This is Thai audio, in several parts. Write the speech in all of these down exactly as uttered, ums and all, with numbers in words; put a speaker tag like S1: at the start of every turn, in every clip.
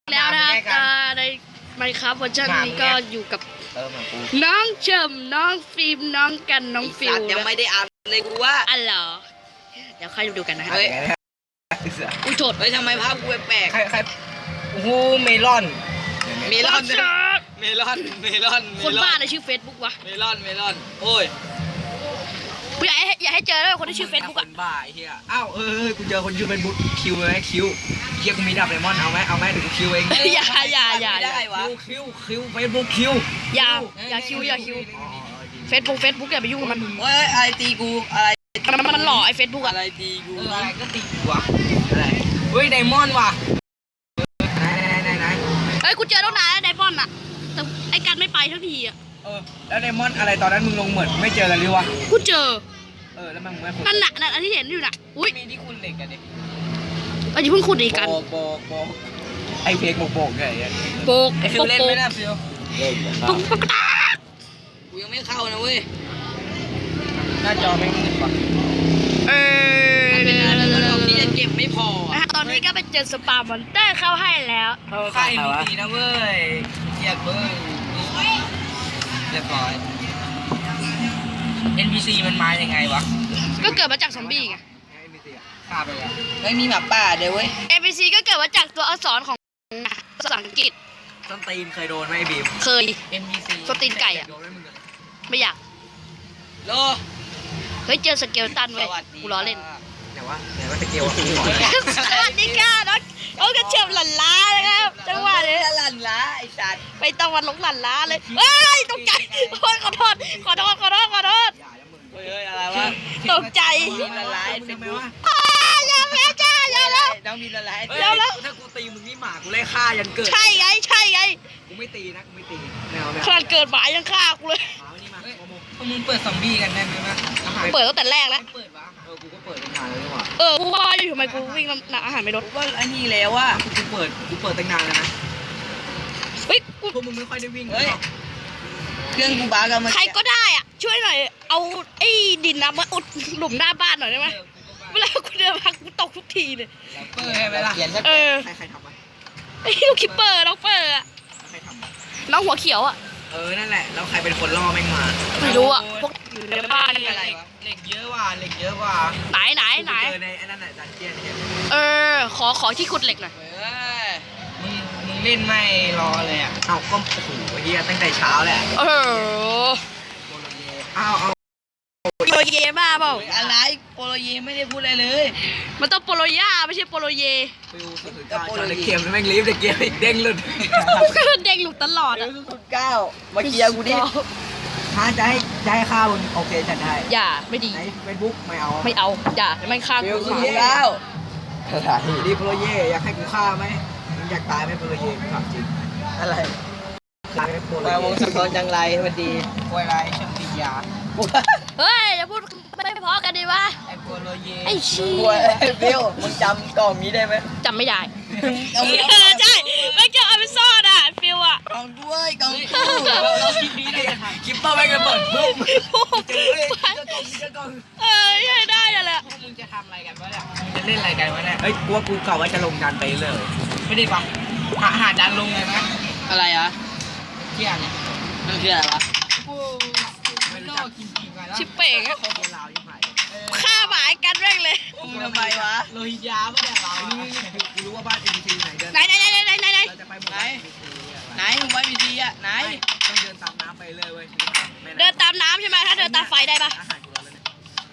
S1: แล้วนะครับในไมค์ครับเวอร์ชันนี้ก็อยู่กับน้องเฉิมน้องฟิล์มน้องกันน้องฟิว
S2: ยังไม่ได้อ่านเลยกูว่า
S1: อ๋อเหรอเดี๋ยวค่อยดูกันนะครับ
S2: เฮ้ย
S1: อุ้ยโทษ
S2: เฮ้ยทำไมภาพกูแปลก
S3: ใครใครโอ้โหเมลอน
S2: ๆเมลอนเมลอนเมลอน
S1: คนบ้าในชื่อเฟซบุ๊กวะ
S2: เมลอนเมลอนโอ้ย
S1: กูอยากให้อยากให้เจอเลยคนที่ชื่อเฟซบุ๊ก
S3: ค
S1: อะ
S3: นบ้าไอ้เหี้ยอ้าวเออกูเจอคนชื่อเฟซบุ๊กคิวไหมคิวเฮียกูมีดับไดมอนด์เอาไหมเอาไหมเดี๋ยวกูคิวเอง
S1: อย่าอย่าอย่า
S2: ไม่ได้วะ
S3: คิวคิวเฟซบุ๊กคิว
S1: อย่าอย่าคิวอย่าคิวเฟซบุ๊กเฟซบุ๊กอย่าไปยุ่งกับมัน
S2: เฮ้ยอะไรตีกูอะไร
S1: มันมันหล่อไอ้เฟซบุ๊ก
S2: อะ
S1: อะ
S2: ไรตีกู
S3: เอออะไรก็ตีกูวะอะไรเฮ้ยไดมอนด์ว่ะไหนไหนไหนไหน
S1: เฮ้ยกูเจอตั้งนานแล้วไดมอนด์อะแต่ไอ้กันไม่ไปทั้งทีอะ
S3: เออแล้วไดมอนด์อะไรตอนนั้นมึงลงเหมือนไม่เจอกันเลยวะ
S1: กูเจอ
S3: เออแล้วมันไม่ขุด
S1: นั่นน่ะนั่นอันที่เห็นอยู่น่ะอุ้ย
S3: มีที่คุณเหล็กกันดิ
S1: เราจะเพิ่งขุดดีกัน
S3: โบกโบกโบกไอเพลงโบกโบกไง
S1: โปก
S2: ไอ้ฟิ
S1: โป
S2: ว
S1: ก
S2: เล่น
S1: โป
S2: ไหม
S1: ก
S2: นะฟิว
S1: ปุ๊กปุ๊กปุ๊ก
S2: กูยังไม่เข้านะเว้ย
S3: หน้าจอไม่มืดว่ะ
S1: เออ
S2: มันเป็นอะไรที่จะเก็บไม่พอ
S1: นะฮะตอนนี้ก็ไปเจอสปามอนเตอร์เข้าให้แล้ว
S2: ค่ายดีนะเว้ยเกียดเว้ยเรียบร้อย
S3: เอ็น พี ซี มันมายังไงวะ
S1: ก็เกิดมาจากซอมบี้ไง
S3: ฆ่าไปอ่ะ
S2: ไม่มีหมาป่าเดี๋ยวเว้ย
S1: เอ พี ซี ก็เกิดมาจากตัวอักษรของภาษาอังกฤษ
S3: ส้นตีนเคยโดนไหมไอ้บีม
S1: เคย
S2: เอ็มบีซี
S1: สตีนไก่อะ
S3: โดนไหมมึงอะ
S1: ไม่อยาก
S2: โล
S1: เฮ้ยเจอสเกลตันเว้ย
S2: สวัสดี
S1: กูล้อเล่น
S3: ไหนวะไหนวะสเกลอะ
S1: สวัสดีค่ะน้องน้องกระเทียมหลั่นล้านะครับจังหวะนี้
S2: หลั่นล้าไอ้สัตว์
S1: ไปตะวันหลงหลั่นล้าเลยเฮ้ยตกใจโอ้ยขอโทษขอโทษขอโทษขอโทษ
S2: เฮ้ยอะไรวะ
S1: ตกใจ
S2: มีละลายเฟซบุ๊ก
S1: อ้าอย่าแม่จ้าอย่าแล้ว
S2: น้องมีละลาย
S3: เฮ้ย
S1: เดี๋ยวนะ
S3: ถ้ากูตีมึงนี่หมากูไล่ฆ่ายันเกิด
S1: ใช่ไงใช่ไง
S3: กูไม่ตีนะกูไม่ตีแนวแนว
S1: ขนาดเกิดหมายังฆ่ากูเลย
S3: หมาวันนี้มาโมโม
S2: พวกมึงเปิดซอมบี้กันได้ไหมวะ
S3: อาหาร
S1: เปิดตั้งแต่แรกแล้ว
S3: เปิดวะเออกูก็เปิดตั้งนานแล้วนี่หว่า
S1: เออกูว่าอยู่ทำไมกูวิ่งนำอาหารไม่ลด
S2: ว่าอันนี้แล้วว่า
S3: กูเปิดกูเปิดตั้งนานแล้วนะ
S1: เฮ้ยกู
S3: พวกมึงไม่ค่อยได้วิ่ง
S2: เฮ้ยเครื่องกูบ้ากันมา
S1: ใครก็ได้อ่ะช่วยหน่อยเอาไอ้ดินน้ำมาอุดหลุมหน้าบ้านหน่อยได้ไหมเวลากูเดินมากูตกทุกทีเลย
S3: เปิดให้ไหมล่ะ
S2: เขียนสัก
S1: เออ
S3: ใครใครทำวะ
S1: ไอ้ลูกคิปเปอร์น้องเปอร์อะ
S3: ใครทำวะ
S1: น้องหัวเขียวอ่ะ
S3: เออนั่นแหละแล้วใครเป็นคนล่อแม่งมา
S1: ไม่รู้อ่ะพวกอยู่ในบ้านนี่
S2: อะไรวะ
S3: เหล็กเยอะว่ะเหล็กเยอะว่ะ
S1: ไหนไหนไหน
S3: เจอในไอ้นั่นแหละดันเจียนเนี่ย
S1: เออขอขอที่ขุดเหล็กหน่อย
S2: เฮ้ย
S3: มึงมึงเล่นไม่รอเลยอ่ะเอาก็โอ้โหเฮียตั้งแต่เช้าแหละ
S1: เออ
S3: เอาเอา
S1: โปโลเยบ้าเปล่า
S2: อะไรโปโลเยไม่ได้พูดอะไรเลย
S1: มันต้องโปโลย่าไม่ใช่โปโลเย
S3: ฟิวสุดๆจอในเกมแม่งรีบแต่เกมอีกเด้งหลุด
S1: เด้งหลุดตลอด
S2: เดี๋ย
S1: อ่ะ
S2: วสุดเก้ามาเคลียร์กูดิ
S3: ถ้าจะให้จะให้ข้าวมึงโอเคจัดได้
S1: อย่าไม่ดี
S3: ในเฟซบุ๊กไม่เอา
S1: ไม่เอาอย่าไม่ฆ่า
S2: ฟิ
S1: กู
S2: วสุดเก้า
S3: ดีโปรเย่อยากให้กูฆ่าไหมมึงอยากตายไหมโปรเย่กูถามจริง
S2: อะไร
S3: ตายไหมโปร
S2: มาวง
S3: เย่
S2: สกอร์จังไรสวัสดี
S3: ป่วยไรเชิงติยา
S1: เฮ้ยอย่าพูดไม่พอกันดีวะ
S3: ไอ้โปรเย่
S1: ไอ้เชี้
S2: ป่วยฟิวมึงจำกล่องนี้ได้ไหม
S1: จำไม่ได้
S2: เอา
S1: เออใช่ไม่เกี่ยวเอาไปซ่อนอ่ะฟิวอ่ะ
S2: กล่องด้วยกล่องกู
S3: เราคลิปนี้เลยคลิปเปอร์แม่งระเบิดปุ๊บเจอเฮ้ยเจอกองเจอกอง
S1: เออใช่ได้นั่นแหละ
S3: พวกมึงจะทำอะไรกันวะเนี่ยมึงจะเล่นอะไรกันวะเนี่ยเฮ้ยกูว่ากูกะว่าจะลงดันไปเลยไม่ได้ปะหาหาดันลงเลยไหม
S2: อะไรอ่ะ
S3: เที่ยเนี่ย
S2: มันคืออะไรวะ
S3: ไม่รู้จักกินกินกันแล้ว
S1: ชิปเป่งอะ
S3: โคลาวยิ่งใหม่
S1: ฆ่าหมายกันแม่งเลย
S2: มึงทำไมวะ
S3: โลหิตยาไม่ได้เรานี่กูรู้ว่าบ้านเอ็นซีไหนเดิน
S1: ไหนไหนไหนไหนไหนไหน
S3: เราจะไปหมด
S2: ไหนไหนมึงไว้พีซีอ่ะไหน
S3: ต้องเดินตามน้ำไปเลยเว้ย
S1: เดินตามน้ำใช่ไหมถ้าเดินตามไฟได้ปะ
S3: อาหารกูแล้วเนี่ย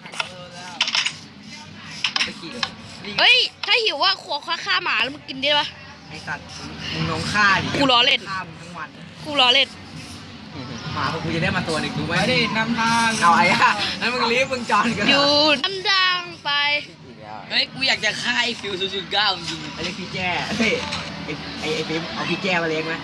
S3: เราไปขี่เลย
S1: เฮ้ยถ้าหิวว่าขวฆ่าฆ่าหมาแล้วมึงกินได้ปะ
S3: ไอสัตว์มึงลองฆ่าดิ
S1: กูล้อเล่น
S3: ฆ่ามึงทั้งวัน
S1: กูล้อเล่น
S3: หมาของกูจะได้มาตัวหนึ่งดูไหม
S2: ไม่ได้นำทาง
S3: เอาไอ้อะแล้วมึงรีบมึงจอนกัน
S1: อยู่น้ำดังไป
S2: เฮ้ยกูอยากจะฆ่าไอ้ฟิวศูนย์ศูนย์เก้าจริง
S3: ไอ้เล็กพี่แจ้เฮ้ยไอ้ไอ้ไอ้ปิ๊มเอาพี่แจ้มาเลี้ยงไหม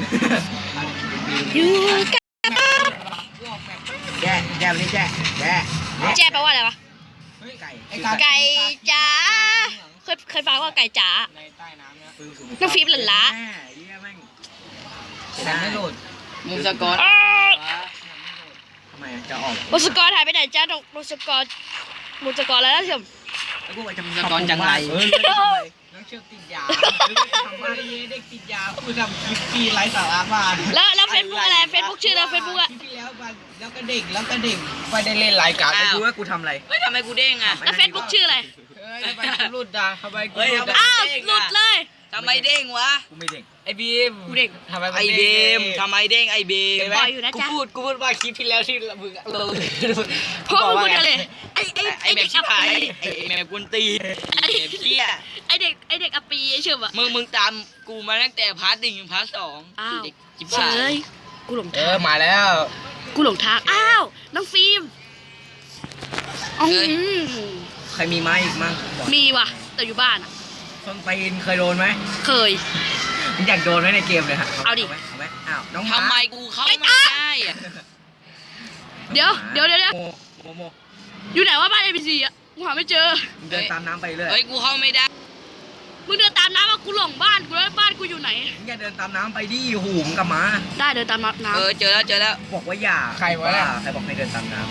S1: อยู่กัน
S3: แจ้แจ้มาเลี้ยงแจ้แจ้
S1: แจ้แปลว่าอะไรวะ
S3: ไก่
S1: ไก่จ๋าเคยเคยฟังว่าไก่จ๋า
S2: ในใต้น้ำเนี่ย
S1: น้องฟิล์มหลั่นล้า
S3: เยี่ยแม่ง
S2: แต่ไม่โหลดมึงสกอร์
S1: อ้าว
S3: ทำไมจะออก
S1: บุษกรหายไปไหนจ้าบุษกรบุษกรแล้วนะเถอะ
S3: แล้วกูจะ
S2: สกอร์จังไร
S3: เออน้องเชื่อติดยาทำมาเด็กติดยากูทำคลิปปีไร้สาระมา
S1: แล้วแล้วเฟซบุ๊กอะไรเฟซบุ๊กชื่ออะไรเฟซบุ๊กอะ
S3: คลิปที่แล้วมาแล้วก็เด็กแล้วก็เด็กไปได้เล่นรายการไปดูว่ากูทำอะไร
S2: เฮ้ยทำไมกูเด้งอ่ะ
S1: แล้วเฟซบุ๊กชื่ออะไร
S3: เฮ้ยทำไมกูหลุดอ่ะทำไมกู
S2: เฮ้ย
S3: หลุด
S2: ทำไม
S3: อ่ะ
S1: อ้าวหลุดเลย
S2: ทำไมเด้งวะ
S3: กูไม่เด็ก
S2: ไอ้บีม
S1: กูเด็ก
S3: ทำไม
S2: ไอ้บีมทำไมเด้งไอ้บีม
S3: เห็นไหม
S1: ปล่อยอยู่นะ
S3: กู
S1: จ๊ะ
S3: พูดกูพูดว่าคลิปที่แล้วที่มึงเรา
S1: เพราะมึงพูดอะไรไอ้ไอ้
S2: ไอ้
S1: ไอ้
S2: แม่
S1: เด็ก
S2: ชิ
S1: อั
S2: บ
S1: ป
S2: หาย
S1: ปี
S2: ไอ้แม่กุนตีไอ้เหี้ย
S1: ไอ้เด็กไอ้เด็กอัปปีไอ้เชื่อมอะ
S2: มึงมึงตามกูมาตั้งแต่พาร์ทหนึ่งถึงพาร์ทสอง
S1: อ้าว
S2: เด็กจิบ
S1: เฉ
S2: หาย
S1: ยกูหลง
S3: เอ
S1: ทา
S3: อง มาแล้ว
S1: กูหลงทางอ้าวน้องฟิล์มอ๋อหือ
S3: ใครมีไม้อีกมั่ง
S1: มีว่ะแต่อยู่บ้านอะ
S3: ส้นตีนเคยโดนไหม
S1: เคย
S3: มึงอยากโดนไหมในเกมเลยฮะ
S1: เอาดิ
S3: ไหมเอาไหมอ้าวน้อง
S2: ทำไมกูเข้าไม่ได้อะ
S1: เดี๋ยวเดี๋ยวเดี๋ยวเดี๋ยว
S3: โมโมโม
S1: อยู่ไหนว่าบ้านเอ็มซีอะกูหาไม่เจอ
S3: มึงเดินตามน้ำไปเรื่อย
S2: เฮ้ยกูเข้าไม่ได้
S1: มึงเดินตามน้ำมากูหลงบ้านกูแล้วบ้านกูอยู่ไหน
S3: มึงอย่าเดินตามน้ำไปดิหูมงกลับมา
S1: ได้เดินตามน้
S2: เออเจอแล้วเจอแล้ว
S3: บอกว่าอย่าใครวะใครบอกให้เดินตามน้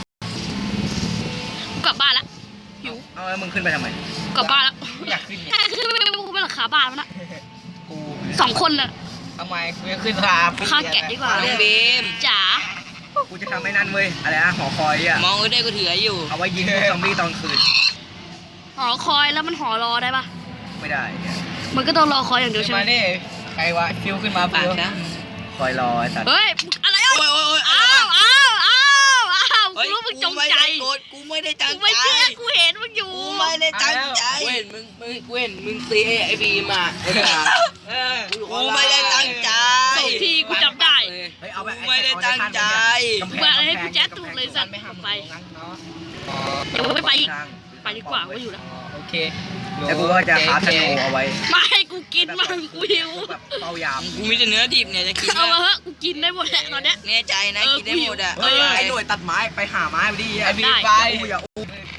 S1: ำกูกลับบ้านละ
S3: ำหิวเอาแล้วมึงขึ้นไปทำไม
S1: กลับบ้านละ
S3: กูอยากขึ้นเนี่ย
S1: แค่ขึ้นไปกูไปหลังคาบ้านมันนะ
S3: กู
S1: สองคนน่ะ
S3: ทำไมกูจะขึ้นรา
S1: ฆ่าแกะดีกว่า
S2: น้องบีม
S1: จ๋า
S3: กูจะทำไอ้นั่นเว้ยอะไรนะหอคอยอ่ะ
S2: มองกูได้กูถืออยู่
S3: เอาไว้ยิงพวกซอมบี้ตอนคืน
S1: หอคอยแล้วมันหอรอได้ปะ
S3: ไม่ได้เนี่ย
S1: มันก็ต้องรอคอยอย่างเดียวใช่ไหม
S3: ใครวะฟิวขึ้นมา
S2: ปากนะ
S3: คอยรอไอ้สัตว์
S1: เฮ้ยอะไรอ่ะ
S2: โอ้ยโอ้ยโอ้ย
S1: อ้าวอ้าวอ้าวอ้าวกู
S2: เฮ้ย
S1: รู้มึงจง
S2: ไม่
S1: ใจ
S2: ได้โกรธกูไม่ได้ตั้ง
S1: กู
S2: ใจ
S1: ไม่เชื่อกูเห็นมึงอยู่
S2: กูไม่ได้ตั้งใจ
S4: กูเห็นมึงมึงกูเห็นมึงตีไอ้บีมอ่ะไอ้ด่า
S3: เออ
S2: กูไม่ได้ตั้งใจ
S1: สองทีกูจำได้
S3: เฮ้ยเอาแบบ
S2: กูไม่ได้ตั้งใจ
S1: มาให้กูแจ๊ดถูกเลยสัตว์ไปเดี๋ยวไม่ไปอีกไปดีกว่ากูอยู่แล้ว
S3: โอเคแล้วกูก็จะคาธนูเอาไว้
S1: ไม่ให้กูกินมันกูหิว
S3: แบบเป้ายาม
S2: กูมีแต่เนื้อดิบเนี่ยจะกิน
S1: เอามา
S2: นะ
S1: เถอะกูกินได้หมดแหละตอนเนี้ย
S2: แน่ใจนะ
S1: เออ
S2: กินได้หมดอ่ะ
S3: เฮ้ยไอ้หน่วยตัดไม้ไปหาไม้ไปดิ
S1: ไอ้บีไป
S3: อย่าอู้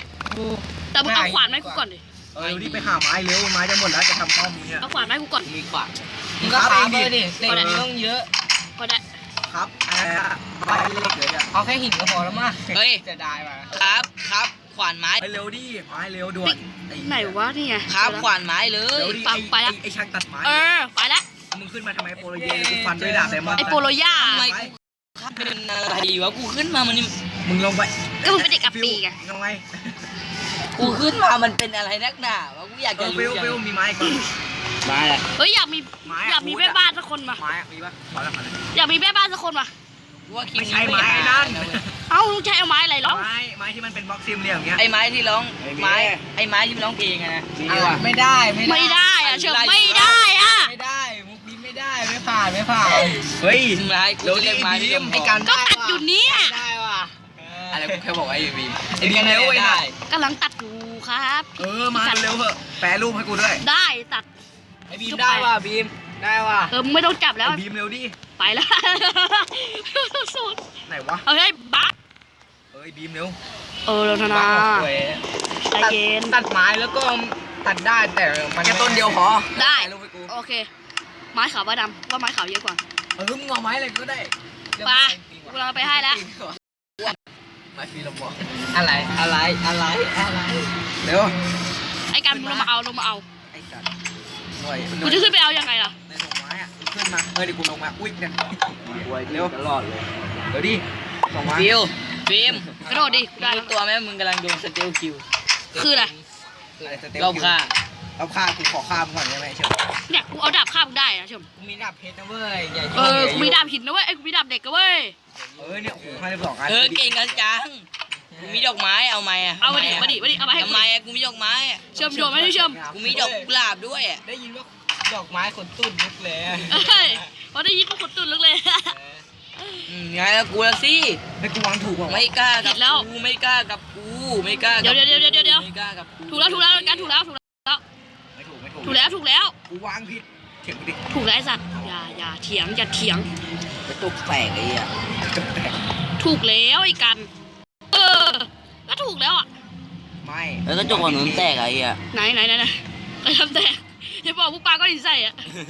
S1: แต่มึงเอาขวานมาให้กูก่อนดิ
S3: เออรีบไปหาไม้เร็วไม้จะหมดแล้วจะทำป้อมเนี่ย
S1: เอาขวานมาให้กูก่อน
S2: มีขวาน
S3: มึงก็ค้าไปดิเด็กมันต้องเยอะ
S1: ก็ได้
S3: ครับอะไรอะไม้เล็กเลยอะเอาแค่หินก็พอแล้วมั้ง
S2: เฮ้ย
S3: จะได้มา
S2: ครับครับขวานไม้
S3: ไปเร็วดิไม้เร็วด่วน
S1: ไหนวะนี่ไง
S2: ครับขวานไม้เล
S3: เร็
S2: ยว
S3: ดิ
S1: ไปไปละ
S3: ไอ้ช่างตัดไม้
S1: เออไปละ
S3: มึงขึ้นมาทำไมโปโลเยกูฟันด้วยดาบไดมอนด์
S1: ไอโปโลย่า
S2: ทำไมกูครับเป็นอะไรวะกูขึ้นมามันนี่
S3: มึงลงไป
S1: ก็มึงเป็นเด็กอัปปีไง
S3: ลงไป
S2: กูขึ้นมามันเป็นอะไรนักหนาวะกูอยาก
S3: เอ
S2: จะ
S3: อ
S2: รู้
S3: ฟิว
S2: จัง
S3: ฟิวมีไม้ก่อน
S2: มาแหละ
S1: เฮ้ยอยากมี
S3: ไม้
S1: อยากมีแม่บ้านสักคนมา
S3: ไม้มีปะขอแล้วขอแล้ว
S1: อยากมีแม่บ้านสักคนมา
S2: กูว่าคิด
S3: ไม่ใช่ไม้นั่น
S1: เอ้าลุงใช้เอาไม้อะไรหรอ
S3: ไม้ไม้ที่มันเป็นบล็อกซิมเหลี่ยมอย่างเงี้ย
S2: ไอ้ไม้ที่ร้องไม้ไอ้ไม้ที่มันร้องเพลงอะนะ
S3: ไม่ได้ไม่
S1: ไม่ได้อะเชื่อไม่ได้อะ
S3: ไม่ได้มุกนี้ไม่ได้ไม่ผ่านไม่ผ่านเฮ้ย
S2: ไม้กูจะเรียกไม้ที่ร้อง
S3: ไอ้การ
S1: ก็ตัดอยู่เนี่ย
S3: ได้ว่ะ
S2: อะไรกูแค่บอกไอ้บีม
S3: ไอ้บีมเร็วไอ้หน่อย
S1: กำลังตัดอยู่ครับ
S3: เออมาเร็วเถอะแปรรูปให้กูด้วย
S1: ได้ตัด
S3: ไอ้บีมได้ว่ะบีมได้ว่ะ
S1: เออมึงไม่ต้องจับแล้ว
S3: ไอ้บีมเร็วดิ
S1: ไปแล้วสุด
S3: ไหนวะ
S1: เอาให้บัก
S3: เอ้ยบีมเร็ว
S1: เออเราธนาใจเย็น
S3: ตัดไม้แล้วก็ตัดได้แต่มันแค่ต้นเดียวพอ
S1: ได้
S3: แปรรูปให้กู
S1: โอเค ไม้ขาวว่าดำว่าไม้ขาวเยอะกว่า
S3: เออมึงเอาไม้อะไรก็ได้
S1: ไปกูเราไปให้แล้ว
S3: ไม้ฟรีลมบอกอะไรอะไรอะไรอะไรเร็ว
S1: ไอ้กันมึงลงมาเอาลงมาเอา
S3: ไอ้สัตว์หน่วยหน่
S1: กู
S3: วย
S1: จะขึ้นไปเอายังไงล่ะ
S3: ในส่งไม้อะขึ้นมาเออเดี๋ยวกูลงมาอุ้ยเนี่ยเร็วตลอดเลยเดี๋ยวดิส่งไม้
S2: ฟิวฟิล์ม
S1: กระโดดดิได้
S2: รู้ตัวไหมมึงกำลังโดนสเตลคิว
S1: คืออะไร
S3: อะไรสเต็ป
S2: รอบค่า
S3: เอาฆ่ากูขอฆ่ามึงก่อนได้ไหมเชียว
S1: เนี่ยกูเอาดาบฆ่ามึงได้นะชม
S3: กูมีดาบเพชรนะเว้ยใหญ่
S1: เออกูมีดาบหินนะเว้ยไอ้กูมีดาบเด็กกันเว้ย
S3: เออเนี่ยโอ้โหห้าสิบสองอัน
S2: เออเก่งกันจังกูมีดอกไม้เอาไหมอะ
S1: เอามาดิมาดิมาดิเอามาให้
S2: ทำ
S1: กู
S2: ไมอะกูมีดอกไม้อะ
S1: เชื่อมโยนไม่ได้เชื่อม
S2: กูมีดอกกุหลาบด้วยอะ
S3: ได้ยินว่าดอกไม้ขนตุ้นลุกเลย
S1: เอ้ยพอได้ยินพวกคนตุ่นลึกเลย
S2: อืมไงแล้วกูละสิ
S3: ให้กูวางถูกป่ะ
S2: ไม่กล้ากับ
S1: ผิดแล้ว
S2: กูไม่กล้ากับกูไม่กล้ากับ
S1: เดี๋ยวเดี๋ยวเดี๋ยวเดี๋ยวเดี๋ยว
S2: ไม่กล้ากับกู
S1: ถูกแล้วถูกแล้วกันถูกแล้วถูกแล้ว
S3: ไม่ถูกไม่ถูก
S1: ถูกแล้วถูกแล้ว
S3: กูวางผิดเถียงกูดิ
S1: ถูกแล้วไอ้สัตว์อย่าอย่าเถียงอย่าเถียง
S2: กระตุกแตกไอ้อะ
S1: ถูกแล้วไอ้กัน เออก็ถูกแล้วอ่ะ
S3: ไม่
S2: แล้วกระจกของหนูแตกไอ้อะ
S1: ไหนไหนไหนไหนไอ้ทำแตกอย่าบอกพวกปลาก็ดินใส่อ่ะ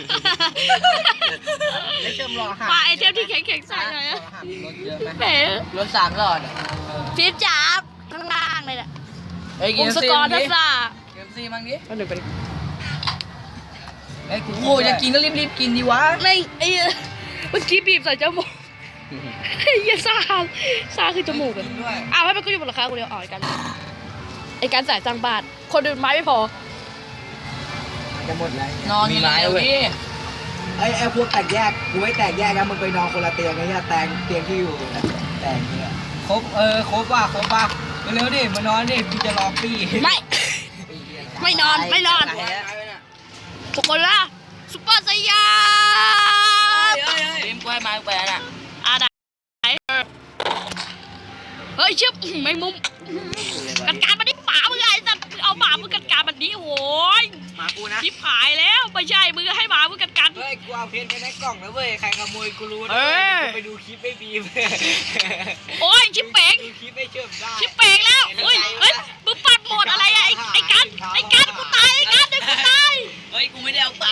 S3: ได้เชื่อมรอหา
S1: ปลาไอเทมที่แข็งแข็งๆใส่หน่อยอะ
S3: รถเยอะไหม
S1: แหม
S2: รถสามหลอด
S1: ฟิปจับข้างล่างเลยแหละ
S2: เฮ้ย
S1: วงสกอร์ทัศน์
S2: เกมซีมั้งดิ
S1: ก็หนึ่งไป
S2: ไอ้กูโอ้ยจะกินก็รีบๆกินดีวะ
S1: ไม่ไอ้เมื่อกี้บีบใส่จมูกไอ้เหี้ยซาซาคือจมูกอะ
S2: กินด้วย
S1: อ้าวให้มันก็อยู่บนราคากูเดียวอ๋อไอ้กันไอ้การจ่ายจ้างบาทคนอื่นไม้ไม่พอ
S3: จะหมดแล้ว
S2: นอนมีไม้เว้ย
S3: ไอ้ไอ้พวกแตกแยกกูไม่แตกแยกนะมึงไปนอนคนละเตียงไอ้เนี่ยแตงเตียงที่อยู่แตงเนี่ย
S2: ครบเออครบป่ะครบป่ะเร็วๆดิมานอนดิกูจะรอปี้
S1: ไม่ ไม่นอนไม่นอน
S2: ตายแล้ว
S1: ทุกคนละซุปเปอร์สยาม
S2: เฮ้ยเฮ้ยเฮ้ยเอ็มกล้วยไม้แปลน่ะ
S1: อ่ะได้เฮ้ยเชื่อไม่มุมกัดการมันนี่หมามึงไงสัตว์เอาหมามึงกัดการมันนี้โอ้ย
S2: หมากูนะ
S1: ชิบหายแล้วไม่ใช่มึงให้หมามึงกัดการ
S2: เฮ้ยกูเอาเพชรไปในกล่องแล้วเว้ยใครขโมยกูรู้นะ
S1: เอ
S2: เว้ย
S1: อ
S2: กูไปดูคลิปไม่บีม
S1: โอ้ยชิบเป๋ง
S2: ดูคลิปไม่เชื่อมได้
S1: ชิบเป๋งแล้วเฮ้ยเฮ้ยมึงปัดโหมดอะไรอะไอ้ไอ้กันไอ้กันกูตายไอ้กันไอ้กูตาย
S2: เฮ้ยกูไม่ได้เอาไป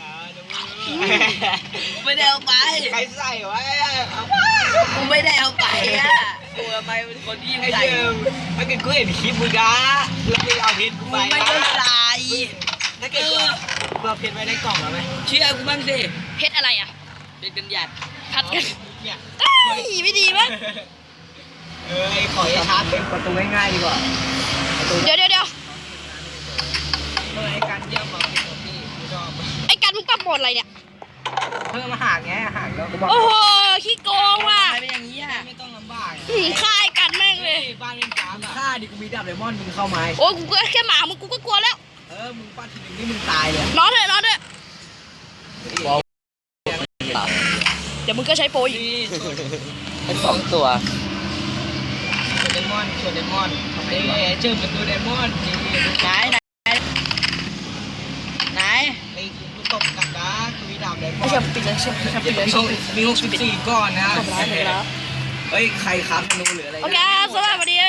S2: กูไม่ได้เอาไป
S3: ใครใส่ไว้เอา
S2: กูไม่ได้เอาไปอ่ะกูทำไมเป็นคนที่
S3: ไอ้
S2: ใส่
S3: เดิมถ้าเกิดกูเห็นคลิปมึงนะแล้วมึงเอาเพชรกู
S2: กู
S3: ไป
S2: ไม่ได้ใส่
S3: ถ้าเกิดกูเอาเพชรไว้ในกล่องแล้วไหม
S2: เชื่อกูบ้างสิ
S1: เพชรอะไรอ่ะ
S2: เป็นกันหยัด
S1: พัดกัน
S3: เนี่ย
S1: เอ้ยไม่ดีมั้ง
S3: เออไอ้ขอชาร์จเป็นประตูง่ายๆดีกว่าประตู
S1: เดี๋ยวเดี๋ยวเดี๋ยว
S3: เออไอ้การเยี่ยมมาเป็นตัวที่กูชอบ
S1: ไอ้กันมึงปรับโหมดอะไรเนี่ย
S3: เพิ่มอาหารไงอาหารแล้วกูบอก
S1: โอ้โหขี้โกงว่ะ
S2: ทำไมเป็นอย่างนี้อ่ะ
S3: ไม่ต้องลำบาก
S1: หืมฆ่าไอ้กันแม่งเลย
S3: บ้านเล่นการฆ่าดิกูมีดาบไดมอนด์มึงเข้าไม้
S1: โอ้ยกูก็แค่หมามึงกูก็กลัวแล้ว
S3: เออมึงฟาดทีนึงนี่มึงตายเลย
S1: นอนเถอะนอนเถอะเดี๋ยวมึงก็ใช้โปรอีก
S2: นี่เป็นสองตัว
S3: ชวนไดมอนด์ชวนไดมอนด์เอ๊ะเชื่อมประตูไดมอนด์จริง
S2: ไหนไหนไหน
S3: ไอ้กูตบกับนะกูมีดาบไดมอ
S1: ไอ้
S3: น
S1: เชี่ย
S3: ด์
S1: ปิดเลยเชี่ยปิดเลยปิดเลย
S3: มีหกมีหกสิบสี่ก้อนนะ
S1: จบแล้วจบแล้ว
S3: เฮ้ยใครครับธนูหรืออะไร
S1: โอเคสวัสดี